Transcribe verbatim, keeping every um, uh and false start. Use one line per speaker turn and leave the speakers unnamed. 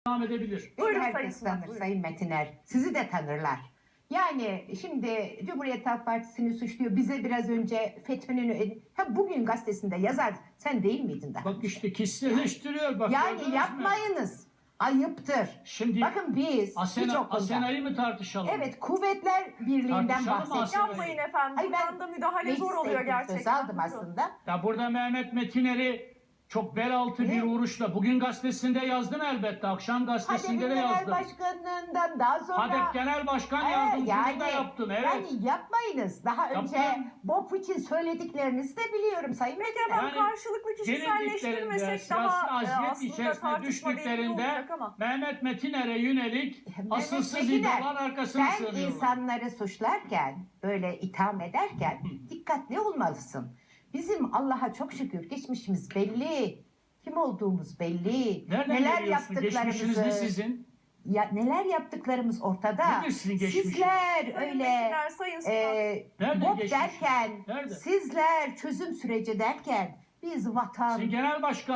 devam edebilir.
Buyurun
Buyurun,
herkes
Sayın
tanır
Sunal,
Sayın Metiner. Sizi de tanırlar. Yani şimdi Cumhuriyet Halk Partisi'ni suçluyor. Bize biraz önce FETÖ'nün... Ha, bugün gazetesinde yazar. Sen değil miydin daha?
Bak işte kişiselleştiriyor. Bak, gördünüz
Yani
mü?
yapmayınız. Ayıptır.
Şimdi
Bakın biz
Asena,
birçok konuda...
Asena'yı mı tartışalım?
Evet, Kuvvetler Birliği'nden
Tartışalım mı
bahsediyoruz.
Asena'yı?
Yapmayın efendim.
Ay, ben
Buradan da müdahale zor
mecliste
oluyor
ilgili
gerçekten.
söz aldım
Buyurun.
aslında.
Ya burada Mehmet Metiner'i çok bel altı
Ne?
bir vuruşla bugün gazetesinde yazdım elbette. Akşam gazetesinde
HADEP'in
de
genel
yazdım.
başkanından daha sonra...
HADEP Genel Başkan
Ee,
Yardımcılığı da yaptım. Evet.
Yani yapmayınız. Daha önce
Yaptım.
BOP için söylediklerinizi de biliyorum Sayın
Peki
Metiner.
efendim,
Yani
karşılıklı
Gerildiklerinde,
kişiselleştirmesek
siyasi
daha e,
aziyet
aslında
içerisine
tartışma verimli
düştüklerinde
olacak ama.
Mehmet Metiner'e yönelik
Mehmet
asılsız
Metiner,
iddialar arkasına
sen
sığınıyorlar.
insanları suçlarken, böyle itham ederken dikkatli olmalısın. Bizim Allah'a çok şükür geçmişimiz belli. Kim olduğumuz belli.
Nereden
neler
geliyorsun? Geçmişiniz ne
yaptıklarımızı
sizin?
ya, neler yaptıklarımız ortada.
Nedir sizin geçmişiniz?
Sizler
Sayın
öyle
Metiner, Sayın Sunal.
e,
Nerede
BOP
geçmişiniz?
derken,
Nerede?
sizler çözüm süreci derken biz vatan,
Sizin genel başkan